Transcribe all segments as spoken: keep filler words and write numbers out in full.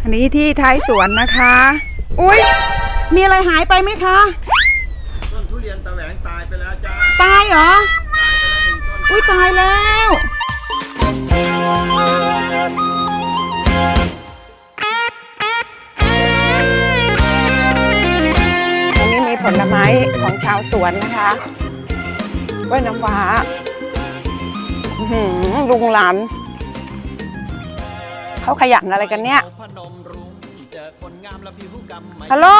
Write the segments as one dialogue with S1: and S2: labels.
S1: อันนี้ที่ท้ายสวนนะคะอุ๊ยมีอะไรหายไปไหมคะ
S2: ต้นทุเรียนตะแหวงตายไปแล้วจ้า
S1: ตายเหรออุ้ยตายแล้ว ตรงนี้มีผลไม้ของชาวสวนนะคะกล้วยน้ำว้าลุงหลานเขาขยันอะไรกันเนี่ยฮัลโหล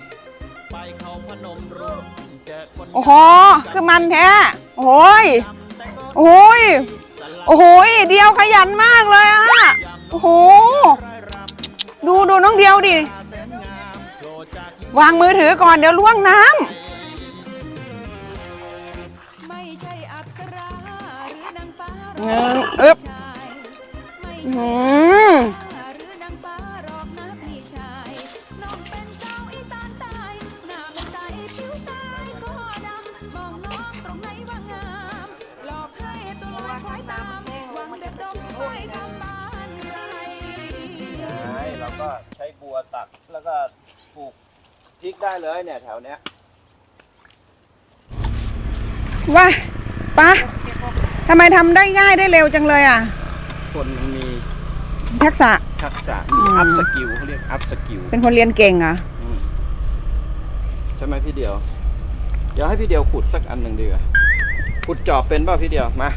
S1: โอ้โหคือมันแท้โอ้ยโอ้ยโอ้โหเดียวขยันมากเลยอะโอ้โหดูดูน้องเดียวดิวางมือถือก่อนเดี๋ยวล่วงน้ำเงินอึ๊บอืม
S2: เราก็ใช้บัวตักแล้วก็ปลูกพริกได้เลยเนี่ยแถวเนี้ย
S1: ว้าป้าทำไมทำได้ง่ายได้เร็วจังเลยอ่ะ
S2: คนมันมี
S1: ทักษะ
S2: ทักษะมีอัพสกิลเขาเรียกอัพสกิล
S1: เป็นคนเรียนเก่งอ่ะ
S2: ใช่ไหมพี่เดียวเดี๋ยวให้พี่เดียวขุดสักอันหนึ่งดีกว่าขุดจอบเป็นเปล่าพี่เดียวมา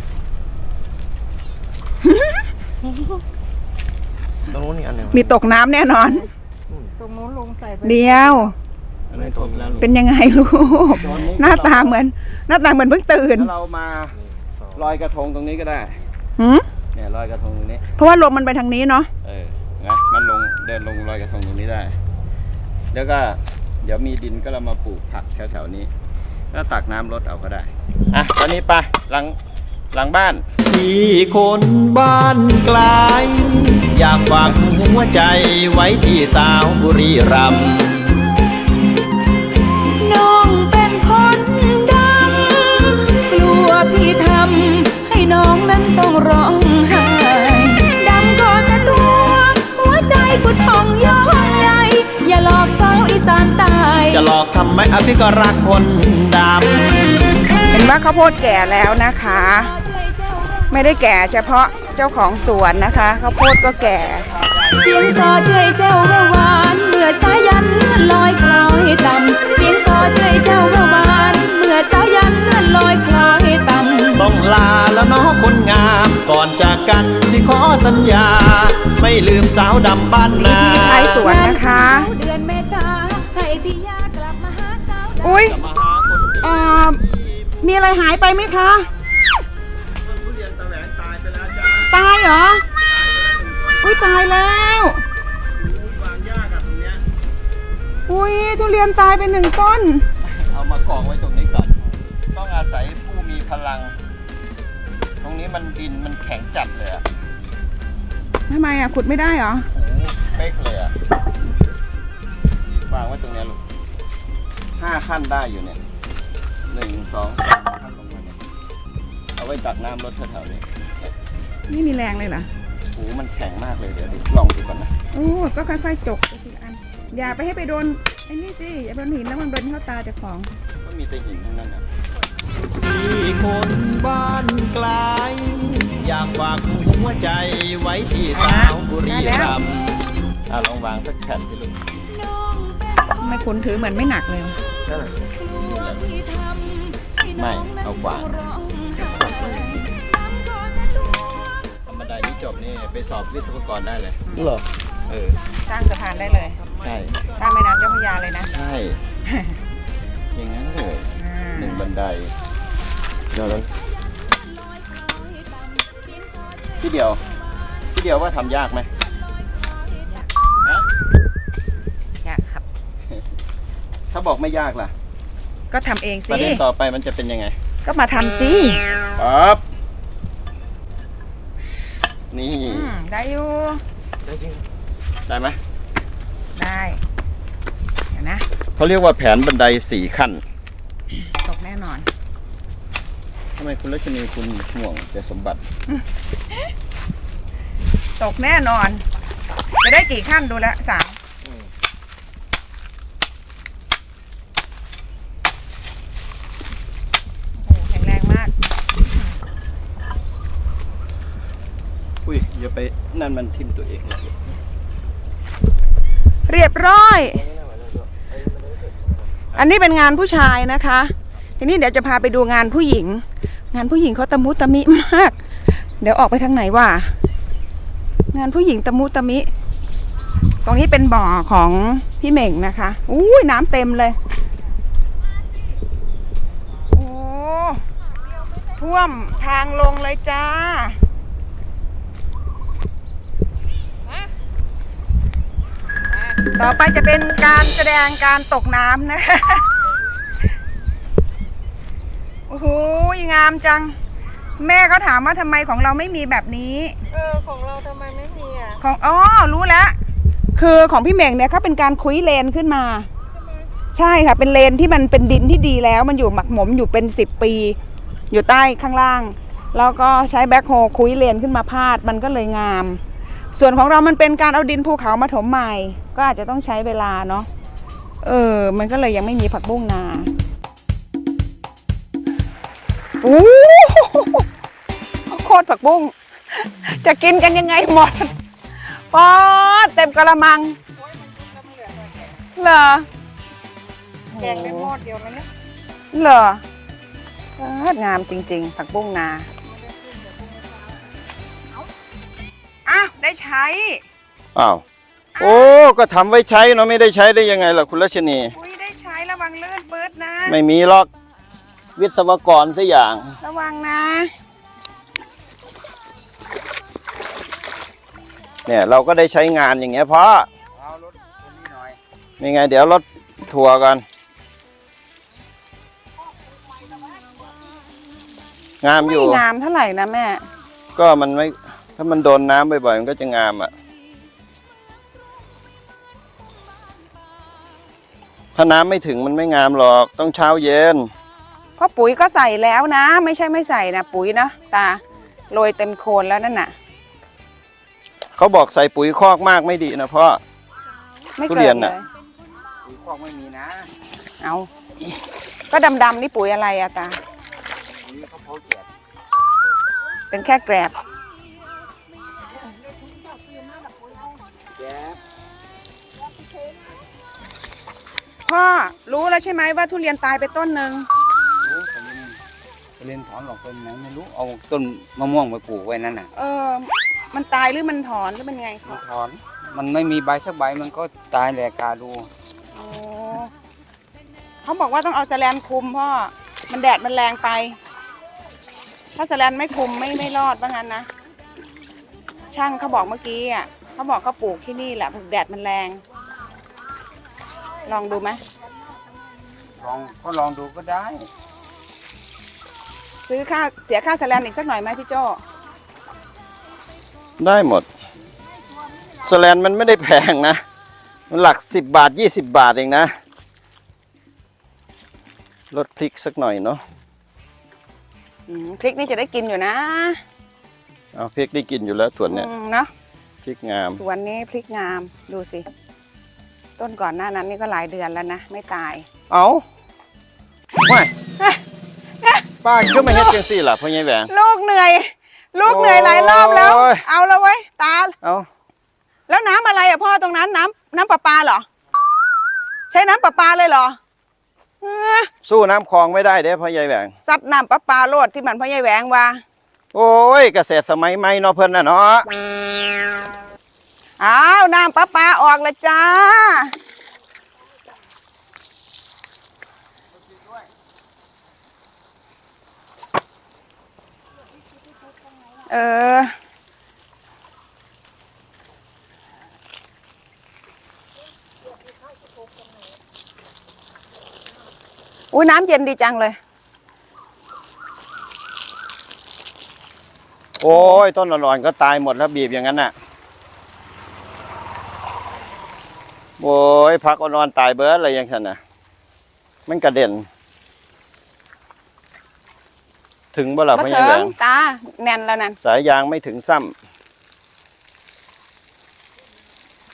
S2: ตรงนู้นนี่อันหนึ่ง
S1: มีตกน้ำแน่นอน
S3: ตรงนู้นลงใส่
S1: เดียวเป็นยังไงลูกหน้าตาเหมือนหน้าตาเหมือนเพิ่งตื่น
S2: เรามาลอยกระทงตรงนี้ก็ได้เนี่ยลอยกระทงตรงนี้
S1: เพราะว่าลมมันไปทางนี้เนาะ
S2: เออนะมันลงเดินลงลอยกระทงตรงนี้ได้แล้วก็เดี๋ยวมีดินก็เรามาปลูกผักแถวๆนี้แล้วตักน้ำรดเอาก็ได้อ่ะตอนนี้ไปหลังหลังบ้านที่คนบ้านไกลอยากฝากหัวใจไว้ที่สาวบุรีรัมย์
S4: น้องเป็นคนดำกลัวพี่ทำให้น้องนั้นต้องร้องไห้ดำก็แต่ตัวหัวใจพุดพองย้อนใหญ่อย่าหลอกสาวอีสานตาย
S2: จะหลอกทำไมอภิก็รักคนดำ
S1: เห็นว่าข้าวโพดแก่แล้วนะคะไม่ได้แก่เฉพาะเจ้าของสวนนะคะข้าวโพดก็แก่
S4: เสียงซอเจยเจ้าแววหวานเมื่อสายันลอยคล้อยต่ำเสียงซอเจยเจ้าแววหวานเมื่อสายันลอยคล้อยต่ำ
S2: ต้องลาแล้วน้องคนงามก่อนจากกันที่ขอสัญญาไม่ลืมสาวดำบ้านนา
S1: ที่ท้ายสวนนะคะ
S4: เดือนเมษาให้พี่ยากลับมาหาสาว
S1: อุ้ยอ่ามีอะไรหายไปไหมคะ
S2: ทุเรียนตะแหวงตายไปแล้วจ้า
S1: ตายเหรออุ้ยตายแล้ว
S2: วางยากอะตรงเนี้ย
S1: อุ้ยทุเรียนตายไปหนึ่งต้น
S2: เอามากองไว้ตรงนี้ก่อนต้องอาศัยผู้มีพลังตรงนี้มันดินมันแข็งจัดเลยอะ
S1: ทำไมอะขุดไม่ได้เหรอ
S2: โอ้เป๊กเลยอะวางไว้ตรงนี้ลูกห้าขั้นได้อยู่เนี่ยหนึ่งสองสามขั้นลงมาเนี่ยเอาไว้ตักน้ำรดแถวๆนี้
S1: นี่มีแรงเลยเหรอ
S2: โอ้มันแข็งมากเลยเดี๋ยวดิลองดูก่อนนะ
S1: โอ้ก็ค่อยๆจกไปทีละอันอย่าไปให้ไปโดนไอ้นี่สิอย่าโดนหินแล้วมันโดนเข้าตาเจ้าของ
S2: ก็มีแต่หินทั้งนั้นนะที่คนบ้านไกลอยากฝากหัวใจไว้ที่สาวบุรีรัมย์อ่ะลองวางสักแผ่นสิลูก
S1: ไม่คุณถือเหมือนไม่หนักเลย
S2: ไม่เอาขวานธรรมดานี้จบนี่ไปสอบวิศวกรได้เลยเหรอเออ
S1: สร้างสะพานได้เลย
S2: ใช่
S1: ข้ามแม่น้ำเจ้าพระยาเลยนะ
S2: ใช่อย่างนั้นเลยหนึ่งบันไดเดี๋ยวนั้นพี่เดียวพี่เดียวว่าทำยากไหม
S1: ยากครับ
S2: ถ้าบอกไม่ยากล่ะ
S1: ก็ทำเองสิ
S2: ประเด็นต่อไปมันจะเป็นยังไง
S1: ก็มาทำสิ
S2: ปั๊บนี่
S1: ได้อยู่
S2: ได้จริงได้ไหม
S1: ได้เดี๋ยวนะ
S2: เขาเรียกว่าแผนบันไดสี่ขั้น
S1: ตกแน่นอน
S2: ทำไมคุณรัชนีคุณห่วงแต่สมบัติ
S1: ตกแน่นอนจะได้กี่ขั้นดูแลสามโอ้แข็งแรงมาก
S2: อุ้ยอย่าไปนั่นมันทิ่มตัวเอง
S1: เรียบร้อย อันนี้เป็นงานผู้ชายนะคะ ทีนี้เดี๋ยวจะพาไปดูงานผู้หญิง งานผู้หญิงเขาตะมุตะมิมาก เดี๋ยวออกไปทางไหนวะงานผู้หญิงตะมุตะมิ ตรงนี้เป็นบ่อของพี่เหม่งนะคะอุ้ยน้ำเต็มเลย โอ้ท่วมทางลงเลยจ้า ต่อไปจะเป็นการแสดงการตกน้ำนะคะ โอ้โหงามจัง แม่ก็ถามว่าทำไมของเราไม่มีแบบนี้
S3: เออ ของเราทำไมไม่มีอ่ะ
S1: ของอ๋อรู้แล้ว คือของพี่เหม่งเนี่ยเขาเป็นการคุยเลนขึ้นมา ใช่ค่ะ เป็นเลนที่มันเป็นดินที่ดีแล้ว มันอยู่หมักหมมอยู่เป็นสิบปี อยู่ใต้ข้างล่าง แล้วก็ใช้แบ็คโฮคุยเลนขึ้นมาพาด มันก็เลยงาม ส่วนของเรามันเป็นการเอาดินภูเขามาถมใหม่ ก็อาจจะต้องใช้เวลาเนาะ เออ มันก็เลยยังไม่มีผักบุ้งนาโอ้โคตรผักบุ้ง จะกินกันยังไงหมดปอดเต็มกระมังเหรอ
S3: แกงได้หม้อเดียวไหมเนี่ย
S1: เหรอเอองามจริงๆ ผักบุ้งนาอ้าวได้ใช้
S2: อ้าวโอ้ก็ทำไว้ใช้เนาะไม่ได้ใช้ได้ยังไงล่ะคุณรัชนี
S1: อุ้ยได้ใช้ระวังลื่นปื๊ดนะ
S2: ไม่มีหรอกวิศวกรสักอย่าง
S1: ระวังนะ
S2: เนี่ยเราก็ได้ใช้งานอย่างเงี้ยเพราะนี่ไงเดี๋ยวรถทัวร์กันงามอยู่
S1: ไม่งามเท่าไหร่นะแม่
S2: ก็มันไม่ถ้ามันโดนน้ำบ่อยๆมันก็จะงามอ่ะถ้าน้ำไม่ถึงมันไม่งามหรอกต้องเช้าเย็น
S1: เพราะปุ๋ยก็ใส่แล้วนะ ไม่ใช่ไม่ใส่นะปุ๋ยนะตาโรยเต็มโคนแล้วนั่นน่ะ
S2: เขาบอกใส่ปุ๋ยคอกมากไม่ดีนะเพราะ
S1: ไม่
S2: ทุ
S1: เกิ
S2: เรีย
S1: น
S2: น
S1: เล
S2: น่ะ
S1: ย
S5: ปุ๋ยคอกไม่มีนะ
S1: เอาก็ดำๆนี่ปุ๋ยอะไรอะตา
S5: ปุ๋ยเขาเผาแจก
S1: เป็นแค่แกรบ
S5: แจก
S1: พ่อรู้แล้วใช่ไหมว่าทุเรียนตายไปต้นหนึ่ง
S5: รู้แต่มันไปเล่นถอนหลอกต้นไหนไม่รู้ เอาต้นมะม่วงไปปลูกไว้นั่นน่ะ
S1: เออ มันตายหรือมันถอนหรือมันไง
S5: มันถอน มันไม่มีใบสักใบมันก็ตายแหลกกาดู
S1: โอ้เขาบอกว่าต้องเอาแสแลนคุมพ่อ มันแดดมันแรงไป ถ้าแสแลนไม่คุมไม่ไม่รอดว่างั้นนะ ช่างเขาบอกเมื่อกี้อ่ะเขาบอกเขาปลูกที่นี่แหละแดดมันแรง ลองดูไหม
S5: ลองก็ลองดูก็ได้
S1: ซื้อค่าเสียค่าแสแลนอีกสักหน่อยไหมพี่โจ้
S2: ได้หมดสแลนมันไม่ได้แพงนะมันหลักสิบบาทยี่สิบบาทเองนะลดพริกสักหน่อยเนาะ
S1: อืมพริกนี่จะได้กินอยู่นะ
S2: เอาพริกได้กินอยู่แล้วส่วนเนี้ย
S1: อืมเนาะ
S2: พริกงาม
S1: สวนนี้พริกงามดูสิ ต้นก่อนหน้านั้นนี่ก็หลายเดือนแล้วนะ ไม่ตาย
S2: เอาไม่ป้าก็ไม่เฮ็ดจังซี่ล่ะพ่อใหญ่แหวง
S1: ลูกเหนื่อย ลูกเหนื่อยหลายรอบแล้ว
S2: โอ้ย
S1: เอาแล้วไว้ยตา
S2: เอา
S1: แล้วน้ำอะไรอ่ะพ่อตรงนั้นน้ำน้ำประปาเหรอ ใช้น้ำประปาเลยเหรอเออ
S2: สู้น้ำคลองไม่ได้เด้พ่อใหญ่แหวง
S1: ซัดน้ำประปาโลดที่มันพ่อใหญ่แหวงว่า
S2: โอ้ยเกษตรสมัยใหม่เนาะเพิ่นน่ะเนาะ
S1: อ้าวน้ำประปาออกแล้วจ้า เออ อุ้ยน้ำเย็นดีจังเลย
S2: โอ้ยต้นอ่อนๆก็ตายหมดแล้วบีบอย่างนั้นน่ะโอ้ยพักอ่อนๆตายเบิดอะไรอย่างนั้นน่ะมันกระเด็นถึงบ่ล่ะ
S1: มา
S2: พ่อใหญ่
S1: เถิ
S2: แหว
S1: ง
S2: ง
S1: ตาแน่นแล้วนั่น
S2: สายยางไม่ถึงซ้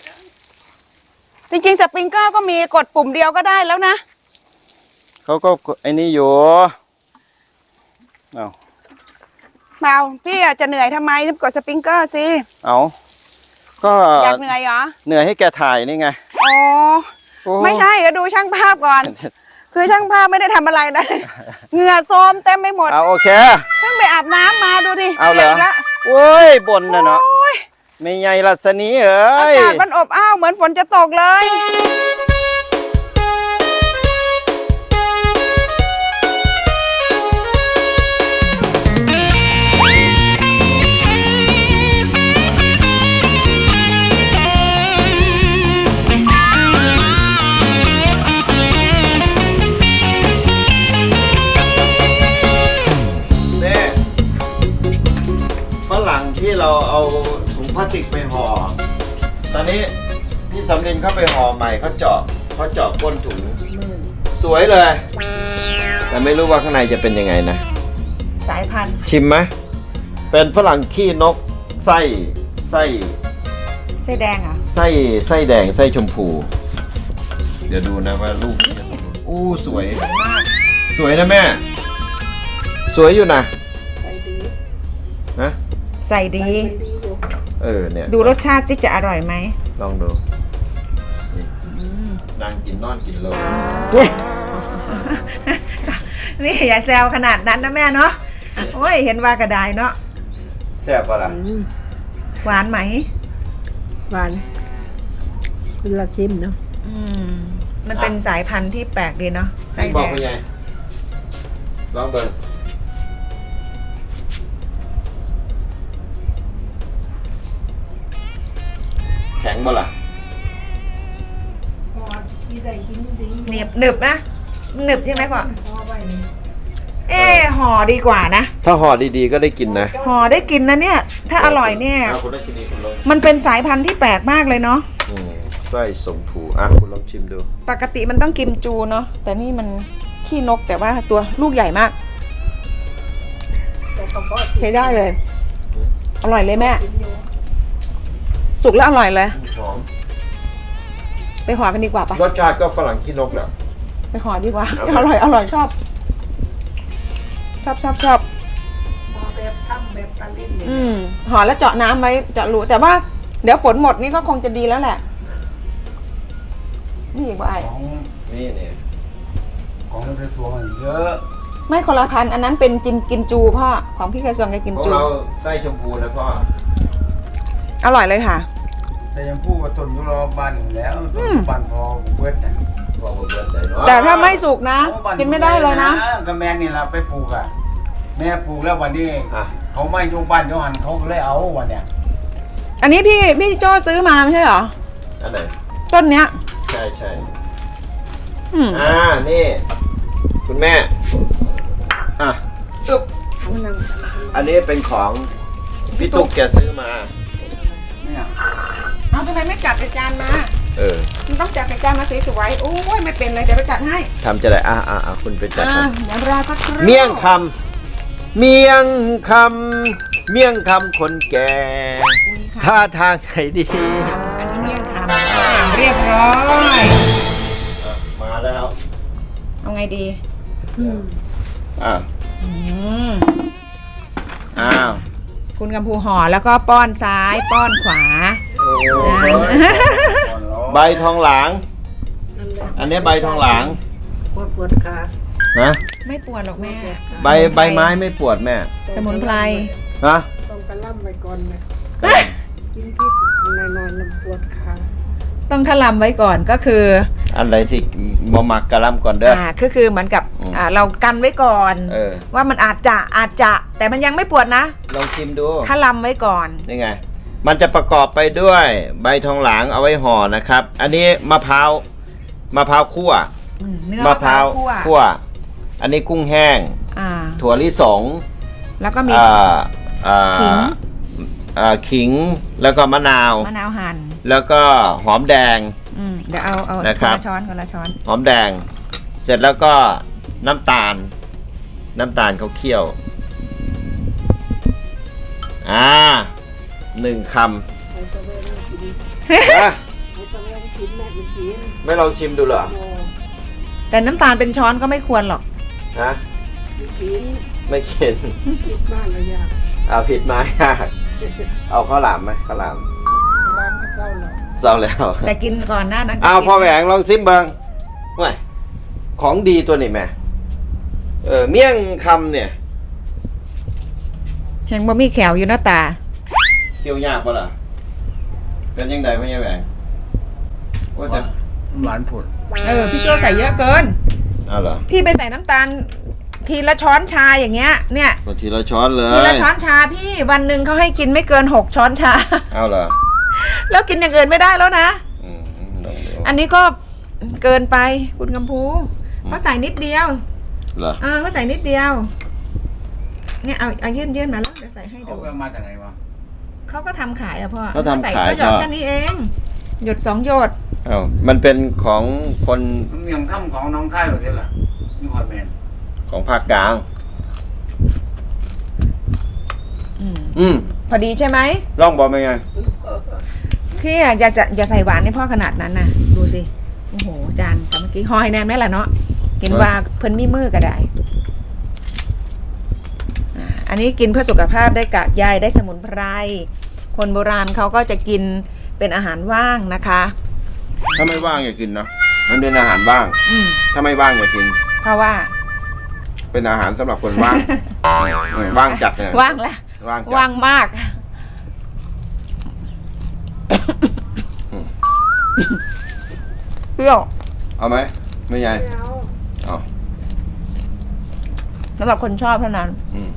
S1: จริงๆสปริงเกอร์ก็มีกดปุ่มเดียวก็ได้แล้วนะ
S2: เขาก็ไอ้นี่อยู่เอา
S1: เปล่าพี่อาจจะเหนื่อยทำไมกดสปริงเกอร์สิ
S2: เอาก็
S1: อยากเหนื่อยเหรอ
S2: เหนื่อยให้แกถ่ายนี่ไง
S1: อ๋อ
S2: โอ้
S1: ไม่ใช่ก็ดูช่างภาพก่อน คือช่างภาพไม่ได้ทำอะไรนะ เหงื่อโซมเต็มไปหมด
S2: เอาโอเค
S1: เพิ่งไปอาบน้ำมาดูดิ
S2: เอาเหรอ
S1: ปียกละ
S2: โอ้ยบ่นนะเนาะ
S1: โอ้ย
S2: ไม่ใหญ่ลัษณีเอ้
S1: อาย กาศมันอบอ้าวเหมือนฝนจะตกเลย
S2: เน่ฝรั่งที่เราเอาถุงพลาสติกไปห่อ ตอนนี้พี่สำลินเข้าไปห่อใหม่เขาเจาะเขาเจาะก้นถุง สวยเลย แต่ไม่รู้ว่าข้างในจะเป็นยังไงนะ
S1: สายพันธุ์
S2: ชิมไหม เป็นฝรั่งขี้นกไส้ไส้
S1: ไส้แดงเหรอ่ะ
S2: ไส้ไส้แดงไส้ชมพู เดี๋ยวดูนะว่าลูกจะสมบูรณ์อู้สวย
S1: มาก
S2: สวยนะแม่ สวยอยู่นะ
S3: ใส่ดี
S2: นะ
S1: ใส่ดี
S3: ดีอยู่
S2: เออเนี่ย
S1: ดูรสชาติสิจะอร่อยไหม
S2: ลองดูนี่นางกินนอนกินเลย
S1: นี่อย่าแซวขนาดนั้นนะแม่เนาะ โอ้ยเห็นว่ากระไดเนาะ
S2: แซ่บปะล่ะ
S1: หวานไหม
S3: หวานเป็นละชิมเนาะ
S1: อืม มันเป็นสายพันธุ์ที่แปลกดีเนาะไส้
S2: ซิ
S1: แด
S2: บอก
S1: ง
S2: ไปไงลองเบิ่งแข็งบ่ล่ะ
S1: หนึบหนึบนะหนึบใช่ไหมพ่อเอ๊ะห่อดีกว่านะ
S2: ถ้าห่อดีๆก็ได้กินนะ
S1: ห่อได้กินนะเนี่ย ถ้าอร่อยเนี่ย
S2: อ่ะคุณได้ชิมดีคุณลอง
S1: มันเป็นสายพันธุ์ที่แปลกมากเลยเนาะ
S2: อืมไส้ส่งถูอ่ะคุณลองชิมดู
S1: ปกติมันต้องกิมจูเนาะ แต่นี่มันขี้นกแต่ว่าตัวลูกใหญ่มาก
S3: แต่ก็พอ
S1: ใช้ได้เลย อร่อยเลยแม่ สุกแล้วอร่อยเลย
S2: หอม
S1: ไปห่อกันดีกว่าปะ
S2: รสชาติก็ฝรั่งขี้นกแหละ
S1: ไปห่อดีกว่า
S2: เอาไป
S1: อร่อยอร่อยชอบ ชอบชอบชอบ
S3: พอแบบทำแบบตะลิ้นเนี่ย
S1: อืมห่อแล้วเจาะน้ำไว้เจาะรูแต่ว่าเดี๋ยวฝนหมดนี่ก็คงจะดีแล้วแหละ นี่อีกว่าไอ้
S5: ของ
S2: นี่เนี่ย
S5: ของในกระทรวงมันเยอะ
S1: ไม่คนละพันธุ์อันนั้นเป็นจินกินจูพ่อของพี่กระทรวงกับกิน
S2: ของ
S1: จู
S2: เราไส้ชมพูนะพ่อ
S1: อร่อยเลยค่ะ
S5: แต่ยังพูดว่าต้นยุโรปบ้านอยู่แล้วต้
S1: อื
S5: น
S1: ม
S5: บ้านพอเบิดนะ
S2: พ่อบอกเบิดใจเนาะ
S1: แต่ถ้าไม่สุกนะ
S5: โอ้บ้า
S1: กินไม่ได้เลยนะ
S5: ก็แม่นี่เราไปปลูกอ่ะแม่ปลูกแล้ววันนี้
S2: อ่ะ
S5: เขาไม่อยู่บ้านเขาหันเขาก็เลยเอาวันเนี้ย
S1: อันนี้พี่พี่โจ้ซื้อมาไม่ใช่เหรอ
S2: อันไหน
S1: ต้นเนี้ย
S2: ใช่ใช่
S1: อืม
S2: อ่า นี่ คุณแม่ อ่ะอึ๊บอันนี้เป็นของพี่ตุ๊กแกซื้อมา
S5: เนี่ย
S1: เอาทำไมไม่จัดเป็นจานมา
S2: เออ
S1: มันต้องจัดเป็นจานมาสวยๆโอ้ยไม่เป็นเลยเดี๋ยวไปจัดให้
S2: ทำจะได้อ่ะอ่ะอ่ะคุณไปจัด
S1: อ่า
S2: ให้
S1: เดี๋ยวรอสักครู่
S2: เมี่ยงคำเมี่ยงคำเมี่ยงคำคนแก่
S1: อุ๊ยค่ะ
S2: ท่าทางไหนดี
S1: อันนี้เมี่ยงคำอ่าเรียบร้อย
S2: อ่ะมาแล้ว
S1: เอาไงดี
S2: อ่ะ
S1: อืม
S2: อ้าว
S1: คุณกำพูห่อแล้วก็ป้อนซ้ายป้อนขวา
S2: โอ้ย
S5: อ่อนร้อน
S2: ใบทองหลาง
S3: นั่นแหละ
S2: อันนี้ใบทองหลาง
S3: ปวดปวดขา
S2: นะ
S1: ไม่ปวดหรอกแม่
S2: ใบใบไม้ไม่ปวดแม่
S1: สมุนไพร
S2: นะ
S3: ต้องกระล่ำไปก่อนนะกินพริกหน่อยๆน้ำปวดขา
S1: ต้องขลำไว้ก่อนก็คือ
S2: อันไหนที่มหมักกะหล่ำก่อนเด้อ
S1: อ่าก็คือเหมือนกับ
S2: อืม
S1: อ่าเรากันไว้ก่อน
S2: เออ
S1: ว่ามันอาจจะอาจจะแต่มันยังไม่ปวดนะ
S2: ลองชิมดู
S1: ขลำไว้ก่อน
S2: นี่ไง มันจะประกอบไปด้วยใบทองหลางเอาไว้ห่อนะครับ อันนี้มะพร้าวมะพร้าวคั่ว
S1: อืมเนื้อ
S2: มะพร้าว
S1: คั่ว
S2: คั่ว อันนี้กุ้งแห้ง
S1: อ่า
S2: ถั่วลิสง
S1: แล้วก็มี
S2: อ่าอ่า
S1: ขิง
S2: อ่าขิงแล้วก็มะนาว
S1: มะนาวหั่น
S2: แล้วก็หอมแดง
S1: อืมเดี๋ยวเอาเอา
S2: นะ
S1: ค
S2: ครั
S1: น
S2: บ
S1: ละช้อนคนละช้อน
S2: หอมแดง เสร็จแล้วก็น้ำตาล น้ำตาลเขาเคี่ยว อ่าหนึ่งคำ
S3: ใส่ตัวเบอร์นี่กิน
S2: นะ
S3: ตอนแรกก็กินแม่มันกิน
S2: ไม่ลองชิมดูเหรอ
S3: โอ้
S1: แต่น้ำตาลเป็นช้อนก็ไม่ควรหรอก
S2: ฮะ
S3: ไม่กิน
S2: ไม่กิน
S3: คิดมากเลยอยาก
S2: เอาผิดมายากเอาข้าวหลามไหมข้าวหลาม
S3: ร้านก็เศร้าแล้ว
S2: เศร้าแล้ว
S1: แต่กินก่อนหน้านั้น
S2: เอาพ่อแหวงลองซิมเบิงว้ยของดีตัวนี้แม่เออเมี่ยงคำเนี่ย
S1: ยังบ่มีแขวอยู่หน้าตา
S2: เคี่ยวยากปะล่ะเป็นยังไงพ่อแหวงว่าจะ
S5: หวานผุด
S1: เออพี่โจใส่เยอะเกิน
S2: เอาเหรอ
S1: พี่ไปใส่น้ำตาล ทีละช้อนชาอย่างเงี้ย เนี่ย
S2: ทีละช้อนเลย
S1: ทีละช้อนชาพี่วันหนึ่งเขาให้กินไม่เกินหกช้อนชา
S2: เอาเหรอ
S1: แล้วกินอย่างอื่นไม่ได้แล้วนะ
S2: อืมลองดู
S1: อันนี้ก็เกินไปคุณกำพูเขาใส่นิดเดียว
S2: เหรอ
S1: เออเขาใส่นิดเดียว เนี่ยเอาเอายื่นยื่นมาแล้วเดี๋ยวใส่ให้
S5: เขา
S1: ดู
S5: ไปมาจากไหนวะ
S1: เขาก็ทำขายอะพ่อ
S2: เขาทำ
S1: ใส่
S2: ขาย
S1: เขาหยอด
S2: ก็
S1: แค่นี้เอง หยดสองหยด
S2: เอามันเป็นของคน
S5: มันยังถ้ำของน้องค่ายแบบนี้แหละนี่คอนแมน
S2: ของภาคกลาง
S1: อืม
S2: อืม
S1: พอดีใช่ไหม
S2: ลองบอกเป็นไง
S1: พี่อะอย่าจะอย่าใส่หวานให้พ่อขนาดนั้นนะดูสิโอ้โหจานแต่เมื่อกี้หอยแนมได้แหละเนาะกินว่าเพิ่นมีมือก็ได้อ่าอันนี้กินเพื่อสุขภาพได้กากใยได้สมุนไพรคนโบราณเขาก็จะกินเป็นอาหารว่างนะคะ
S2: ถ้าไม่ว่างอย่ากินนะมันเป็นอาหารว่าง
S1: อืม
S2: ถ้าไม่ว่างอย่ากิน
S1: เพราะว่า
S2: เป็นอาหารสำหรับคนว่าง เออว่างจัดเลย
S1: ว่างแล้ว
S2: ว่างจัด
S1: ว่างมาก เปรี้ยว
S2: เอาไหมไม่ใหญ่
S3: ไม่เอา
S2: เอา
S1: สำหรับคนชอบเท่านั้น
S2: อืม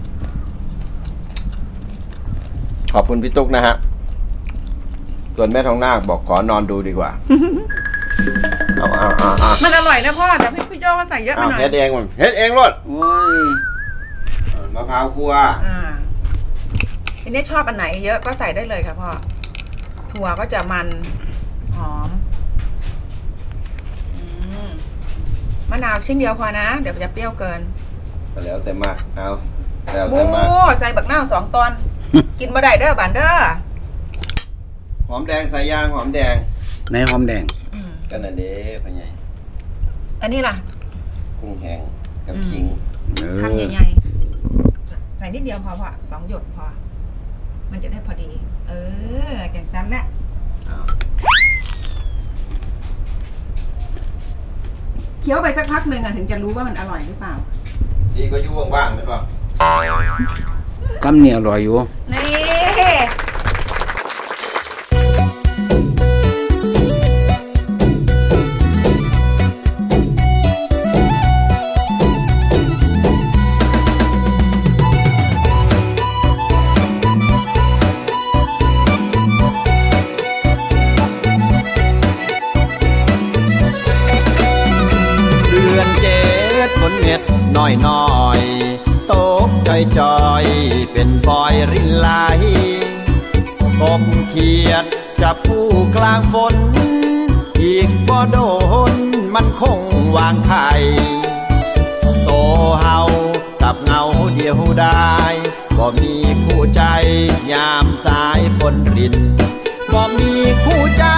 S2: ขอบคุณพี่ตุ๊กนะฮะ ส่วนแม่ทองนาคบอกขอนอนดูดีกว่า เอาเอาเอาเอา
S1: มันอร่อยนะพ่อแต่พี่พี่โจ้ก็ใส่เยอะไป
S2: เอา
S1: หน่อย
S2: เฮ็ดเองมันเฮ็ดเองรด
S5: โอ้ย
S2: มะพร้าวคั่ว
S1: อ่าทีนี้ชอบอันไหนเยอะก็ใส่ได้เลยค่ะพ่อถั่วก็จะมันหอมอืมมะนาวชิ้นเดียวพอนะ เดี๋ยวมันจะเปรี้ยวเกิน
S2: ก็แล้วแต่มากเอาแล้ว
S1: บู
S2: แต่มาก
S1: ใส่บักนาวสองตอน กินบ่ได้เด้อบานเด้อ
S2: หอมแดงใส่ยางหอมแดง
S5: ในหอมแดง
S1: อืม
S2: กันน่ะเด้พ่อใหญ่
S1: อันนี้ล่ะ
S2: กุ้งแห้งกับ
S1: อืม
S2: ขิง
S5: เออ
S1: คำใหญ่ๆ ใส่นิดเดียวพอพอสองหยดพอ มันจะได้พอดี เออจังสั้นแหละ
S2: เอา
S1: เคี้ยวไปสักพักหนึ่งอะถึงจะรู้ว่ามันอร่อยหรือเปล่า
S2: ดีก็อยู่ว่างๆไหมป่ะ
S5: กำเนี่ยอร่อยอยู่
S1: นี่
S2: เดือนเจ็ดฝนเม็ดน้อยน้อยๆตกจอยจอยๆเป็นฟอยรินไหลกบเขียดจับผู้กลางฝน อีกบ่โดนมันคงวางไข่โตเฮากับเงาเดียวได้บ่มีคู่ใจยามสายฝนรินบ่มีคู่ใจ